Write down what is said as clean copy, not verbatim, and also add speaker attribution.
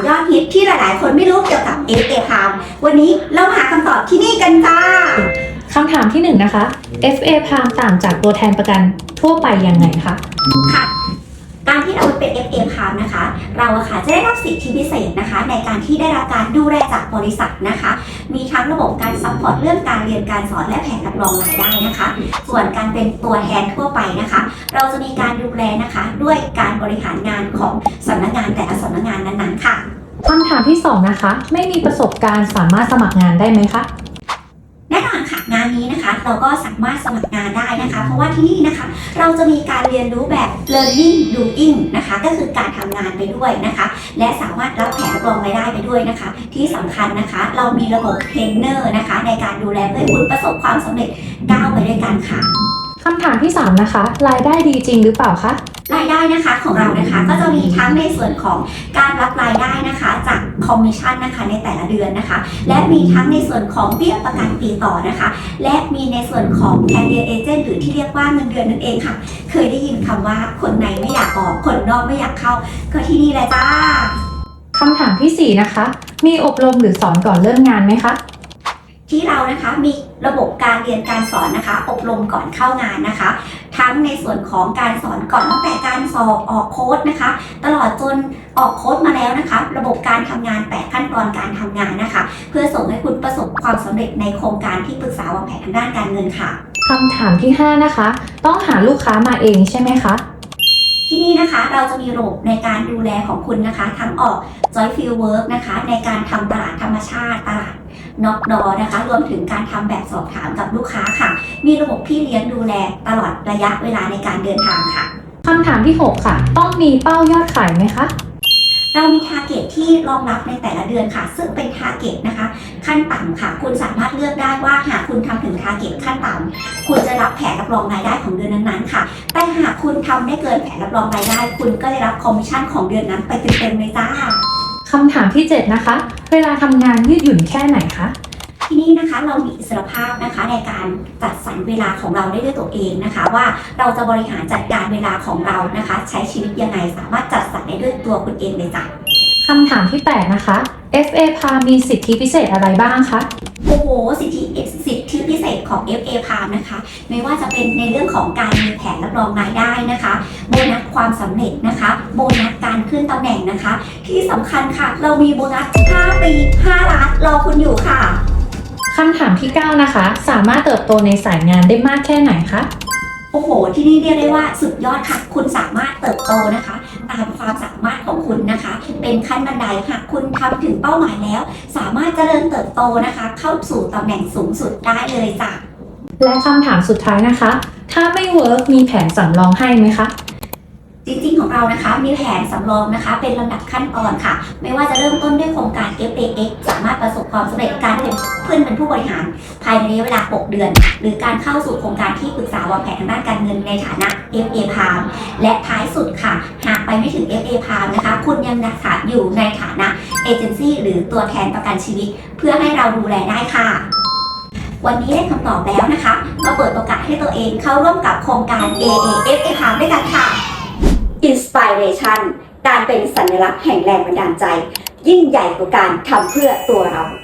Speaker 1: ยอดฮิตที่หลายๆ คนไม่รู้เกี่ยวกับ FA Palm วันนี้เราหาคำตอบที่นี่กันค่ะ
Speaker 2: คำถามที่1นะคะ FA Palm ต่างจากตัวแทนประกันทั่วไปยังไงคะ
Speaker 1: ค่ะการที่เราเป็น FA Palm นะคะเราค่ะจะได้รับสิทธิพิเศษนะคะในการที่ได้รับการดูแลจากบริษัทนะคะมีทั้งระบบการซัพพอร์ตเรื่องการเรียนการสอนและแผนรับรองรายได้นะคะส่วนการเป็นตัวแทนทั่วไปนะคะเราจะมีการดูแลนะคะด้วยการบริหารงานของสำนักงานแต่ละสำนักงานนั้นๆค่ะ
Speaker 2: คำถามที่2นะคะไม่มีประสบการณ์สามารถสมัครงานได้ไหมคะ
Speaker 1: แน่นอนค่ะงานนี้นะคะเราก็สามารถสมัครงานได้นะคะเพราะว่าที่นี่นะคะเราจะมีการเรียนรู้แบบ learning doing นะคะก็คือการทำงานไปด้วยนะคะและสามารถรับแผนรับรองรายได้ไปด้วยนะคะที่สำคัญนะคะเรามีระบบเทรนเนอร์นะคะในการดูแลเพื่อให้คุณประสบความสำเร็จก้าวไปด้วยกันค่ะ
Speaker 2: คำถามที่3นะคะรายได้ดีจริงหรือเปล่าคะ
Speaker 1: รายได้นะคะของเรานะคะก็จะมีทั้งในส่วนของการรับรายได้นะคะจากคอมมิชชั่นนะคะในแต่ละเดือนนะคะและมีทั้งในส่วนของเบี้ยประกันปีต่อนะคะและมีในส่วนของ Career Agent หรือที่เรียกว่าเงินเดือนนั่นเองค่ะเคยได้ยินคำว่าคนในไม่อยากออกคนนอกไม่อยากเข้าก็ที่นี่เลยจ้า
Speaker 2: คำถามที่4นะคะมีอบรมหรือสอนก่อนเริ่มงานไหมคะ
Speaker 1: ที่เรานะคะมีระบบการเรียนการสอนนะคะอบรมก่อนเข้างานนะคะทั้งในส่วนของการสอนก่อนตั้งแต่การสอบออกโค้ดนะคะตลอดจนออกโค้ดมาแล้วนะคะระบบการทำงาน8ขั้นตอนการทำงานนะคะเพื่อส่งให้คุณประสบความสำเร็จในโครงการที่ปรึกษาวางแผนทางด้านการเงินค่ะ
Speaker 2: คำถามที่5นะคะต้องหาลูกค้ามาเองใช่ไหมคะ
Speaker 1: ที่นี่นะคะเราจะมีระบบในการดูแลของคุณนะคะทั้งออก Joy Field Work นะคะในการทำตลาดธรรมชาติตลาดน็อกดอนะคะรวมถึงการทำแบบสอบถามกับลูกค้าค่ะมีระบบพี่เลี้ยงดูแลตลอดระยะเวลาในการเดินทางค่ะ
Speaker 2: คำถามที่6ค่ะต้องมีเป้ายอดขายไหมคะ
Speaker 1: เรามีทาร์เก็ตที่รองรับในแต่ละเดือนค่ะซึ่งเป็นทาร์เก็ตนะคะขั้นต่ำค่ะคุณสามารถเลือกได้ว่าหากคุณทำถึงทาร์เก็ตขั้นต่ำคุณจะรับแผนรับรองรายได้ของเดือนนั้นๆค่ะแต่หากคุณทำได้เกินแผนรับรองรายได้คุณก็ได้รับคอมมิชชั่นของเดือนนั้นไปเต็มๆเลยจ้า
Speaker 2: คำถามที่7นะคะเวลาทำงานยืดหยุ่นแค่ไหนคะ
Speaker 1: ที่นี่นะคะเรามีอิสรภาพนะคะในการจัดสรรเวลาของเราได้ด้วยตัวเองนะคะว่าเราจะบริหารจัดการเวลาของเรานะคะใช้ชีวิตยังไงสามารถจัดสรรได้ด้วยตัวคุณเองเลยจ้ะ
Speaker 2: คำถามที่8นะคะ FA Palm มีสิทธิพิเศษอะไรบ้างคะ
Speaker 1: โอ้โหสิทธิพิเศษของ FA Palm นะคะไม่ว่าจะเป็นในเรื่องของการมีแผนรับรองรายได้นะคะโบนัสความสำเร็จนะคะโบนัสการขึ้นตำแหน่งนะคะที่สำคัญค่ะเรามีโบนัส5 ปี 5 ล้านรอคุณอยู่ค่ะ
Speaker 2: คำถามที่9นะคะสามารถเติบโตในสายงานได้มากแค่ไหนคะ
Speaker 1: โอ้โหที่นี่เรียกได้ว่าสุดยอดค่ะคุณสามารถเติบโตนะคะตามความสามารถของคุณนะคะเป็นขั้นบันไดหากคุณทำถึงเป้าหมายแล้วสามารถเจริญเติบโตนะคะเข้าสู่ตำแหน่งสูงสุดได้เลยจ้ะ
Speaker 2: และคำถามสุดท้ายนะคะถ้าไม่เวิร์กมีแผนสำรองให้ไหมคะ
Speaker 1: จริงๆของเรานะคะมีแผนสำรองนะคะเป็นลำดับขั้นตอนค่ะไม่ว่าจะเริ่มต้นด้วยโครงการ FAX สามารถประสบความสำเร็จการเป็นผู้บริหารภายในระยะเวลา6เดือนหรือการเข้าสู่โครงการที่ปรึกษาวางแผนทางด้านการเงินในฐานะ FA Palm และท้ายสุดค่ะหากไปไม่ถึง FA Palm นะคะคุณยังนะคะอยู่ในฐานะเอเจนซี่หรือตัวแทนประกันชีวิตเพื่อให้เราดูแลได้ค่ะวันนี้ได้คำตอบแล้วนะคะมาเปิดโอกาสให้ตัวเองเข้าร่วมกับโครงการ FA Palm ด้วยกันค่ะInspiration การเป็นสัญลักษณ์แห่งแรงบันดาลใจยิ่งใหญ่กว่าการทำเพื่อตัวเรา